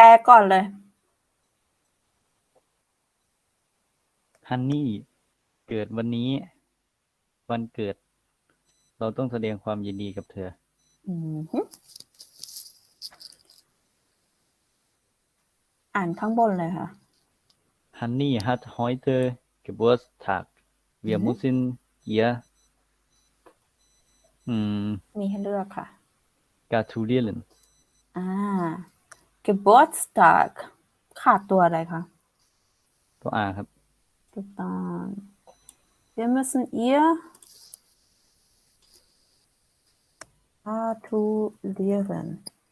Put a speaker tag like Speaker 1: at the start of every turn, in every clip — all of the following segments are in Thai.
Speaker 1: ลก่อนเลย
Speaker 2: ฮันนี่เกิดวันนี้วันเกิดเราต้องแสดงความยินดีกับเธอ
Speaker 1: อ่านข้างบนเลยค่ะ
Speaker 2: Honey hat heute Geburtstag. Wir müssen ihr
Speaker 1: มีให้เลือกค่ะ
Speaker 2: gratulieren.
Speaker 1: Geburtstag ขาดตัวอะไรคะ
Speaker 2: ตัว R ครับ
Speaker 1: ถูกต้อง Wir müssen ihr gratulieren.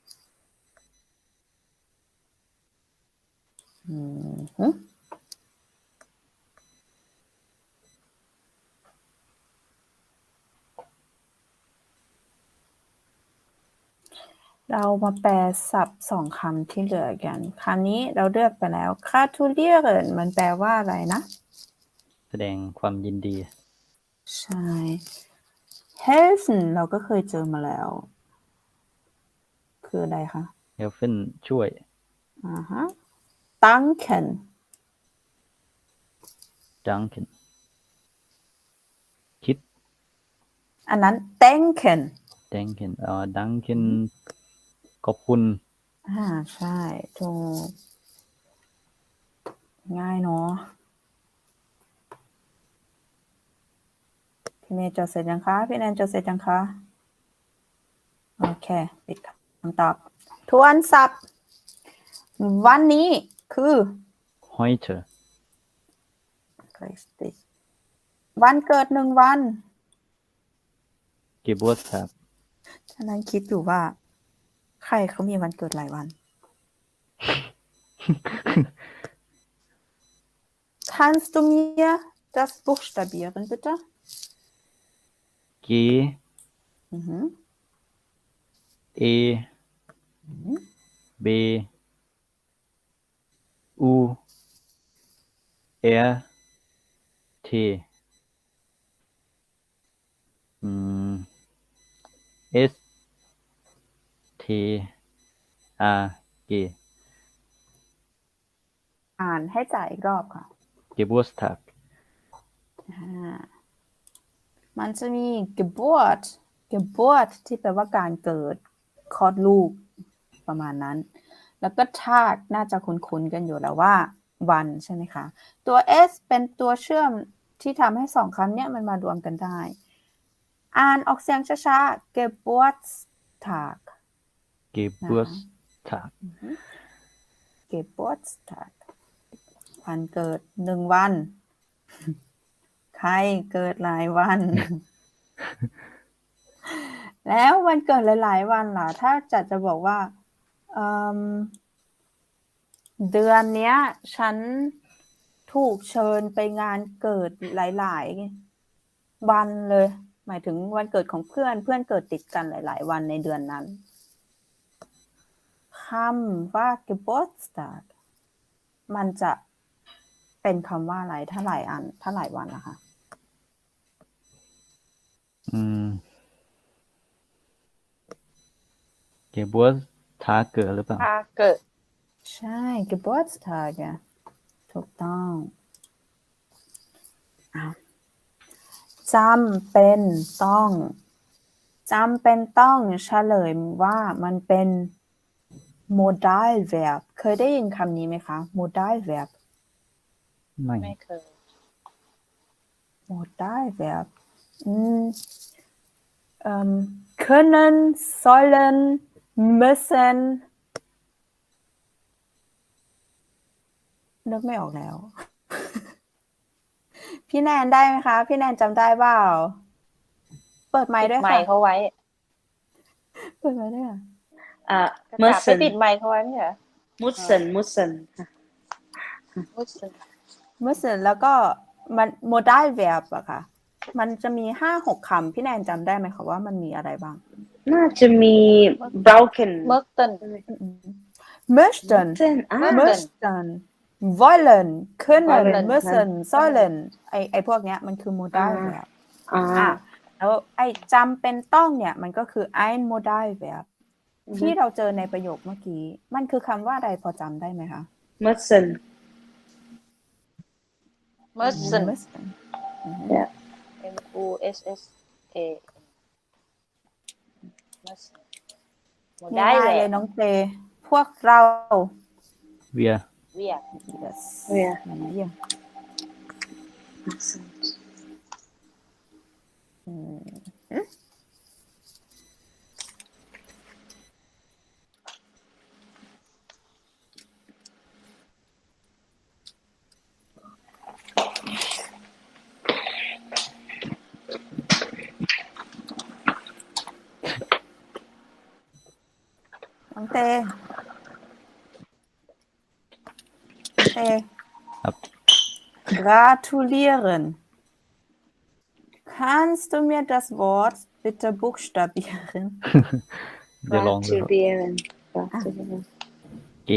Speaker 1: เรามาแปลศัพท์สองคำที่เหลือกันคราวนี้เราเลือกไปแล้ว gratulieren มันแปลว่าอะไรนะ
Speaker 2: แสดงความยินดี
Speaker 1: ใช่ helfen เราก็เคยเจอมาแล้ว คืออะไรคะ
Speaker 2: helfen ช่วย
Speaker 1: danken
Speaker 2: danken คิด
Speaker 1: อันนั้น denken
Speaker 2: danken danken ขอบคุณ
Speaker 1: ใช่ถูกง่ายเนาะพี่เมย์จดเสร็จยังคะพี่แนนจดเสร็จยังคะโอเคปิดคำตอบทวนศัพท์วันนี้คือ
Speaker 2: heute
Speaker 1: วันเกิด1 วัน
Speaker 2: Geburtstag
Speaker 1: ฉะนั้นคิดอยู่ว่าใครเขามีวันเกิดหลายวัน Kannst du mir das buchstabieren bitte
Speaker 2: G E B U R T S T R G
Speaker 1: อ่านให้จ่ายอีกรอบค่ะ
Speaker 2: Geburtstag
Speaker 1: มันจะมี Geburt ที่แปลว่าการเกิดคลอดลูกประมาณนั้นแล้วก็ Tag น่าจะคุ้นๆกันอยู่แล้วว่าวันใช่ไหมคะตัว S เป็นตัวเชื่อมที่ทำให้2คำนี้มันมารวมกันได้อ่านออกเสียงช้าๆ Geburtstag Geburtstag วันเกิด1 วันใครเกิดหลายวัน แล้ววันเกิดหลายๆวันล่ะถ้าจะบอกว่าเดือนเนี้ยฉันถูกเชิญไปงานเกิดหลายๆวันเลยหมายถึงวันเกิดของเพื่อนเกิดติดกันหลายๆวันในเดือนนั้นคำว่า Geburtstag มันจะเป็นคำว่าอะไรถ้าหลายวันนะคะ
Speaker 2: Geburtstag หรือเปล่า
Speaker 1: ใช่ Geburtstag ถูกต้องจำเป็นต้องเฉลยว่ามันเป็น modal verb เคยได้ยินคำนี้ไหมคะ modal verb
Speaker 3: ไม่เคย
Speaker 1: modal verb können sollen müssen นึกไม่ออกแล้ว พี่แนนได้ไหมคะพี่แนนจำได้เปล่าเปิดไมค์ด้วยค่ะ
Speaker 3: ไมค์เขาไว้
Speaker 1: เปิดไมค์ด้วยค่ะ
Speaker 3: เมื่อไปติดไมค์เขาไว้ไม่เหรอmüssen
Speaker 1: แล้วก็มัน modal verb อะค่ะมันจะมี 5-6 คำพี่แนนจำได้ไหมคะว่ามันมีอะไรบ้าง
Speaker 3: น่าจะมี broken
Speaker 1: möchten wollen können müssen sollen ไอพวกเนี้ยมันคือ modal verb แล้วไอจำเป็นต้องเนี่ยมันก็คือ ein modal verb ที่เราเจอในประโยคเมื่อกี้มันคือคำว่าอะไรพอจำได้ไหมคะ
Speaker 4: müssen
Speaker 3: Müssen
Speaker 1: Müssen
Speaker 4: ja
Speaker 3: M-U-S-S-A Müssen หมดได้
Speaker 1: ง่าย
Speaker 3: แห
Speaker 1: ๆเล
Speaker 3: ละ
Speaker 1: ยน้องเตพวกเรา
Speaker 2: wir
Speaker 3: Wir
Speaker 1: yes
Speaker 4: Wir
Speaker 1: wir
Speaker 4: sind
Speaker 1: อืม น้องเต
Speaker 2: ครับ
Speaker 1: gratulieren kannst du mir das Wort bitte buchstabieren
Speaker 2: เดี๋ยวลองดูครับ
Speaker 4: gratulieren gratulieren
Speaker 2: G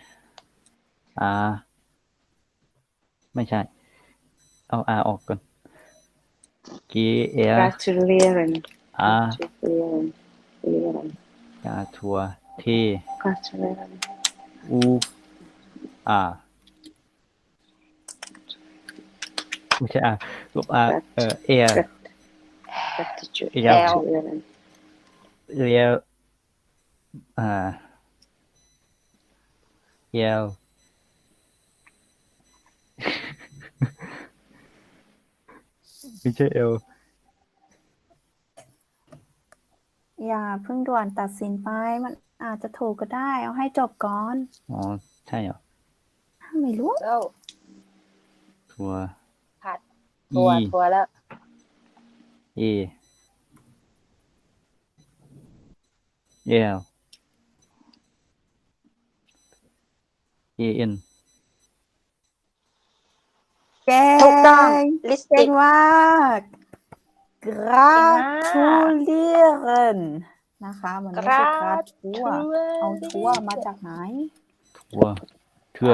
Speaker 2: R ไม่ใช่ เอา R ออกก่อน G R
Speaker 4: gratulieren
Speaker 2: R
Speaker 4: gratulieren
Speaker 2: กาทัว T
Speaker 4: gratulieren
Speaker 2: U R ไม่ใช่ R ลบ R Air
Speaker 4: gratitude
Speaker 2: L
Speaker 4: gratulieren
Speaker 2: เรียวเรียว ไม่ใช่ L
Speaker 1: อย่าเพิ่งด่วนตัดสินไปมันอาจจะถูกก็ได้ เอาให้จบก่อน
Speaker 2: อ๋อ ใช่เหรอ
Speaker 1: ไม่รู้
Speaker 3: แล้ว
Speaker 2: ทัว
Speaker 3: ผัด
Speaker 2: E
Speaker 3: ทัวแล้ว
Speaker 2: A L A N
Speaker 1: เก่ง
Speaker 3: ถูกต้อง
Speaker 1: เก่
Speaker 3: Lipstick
Speaker 1: งมาก gratulieren นะคะ มันไม่ใช่ gratur เอาทัวมาจากไหน
Speaker 2: ทัวเทือ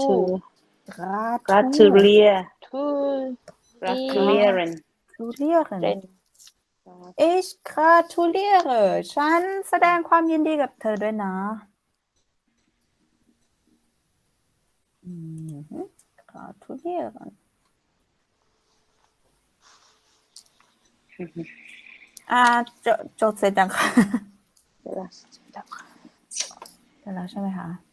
Speaker 4: gratulier
Speaker 3: gratulieren
Speaker 4: gratulieren
Speaker 1: ich gratuliere ฉันแสดงความยินดีกับเธอด้วยนะgratulieren จดเสร็จยังคะ
Speaker 4: das
Speaker 1: เสร็จแล้วใช่ไหมคะ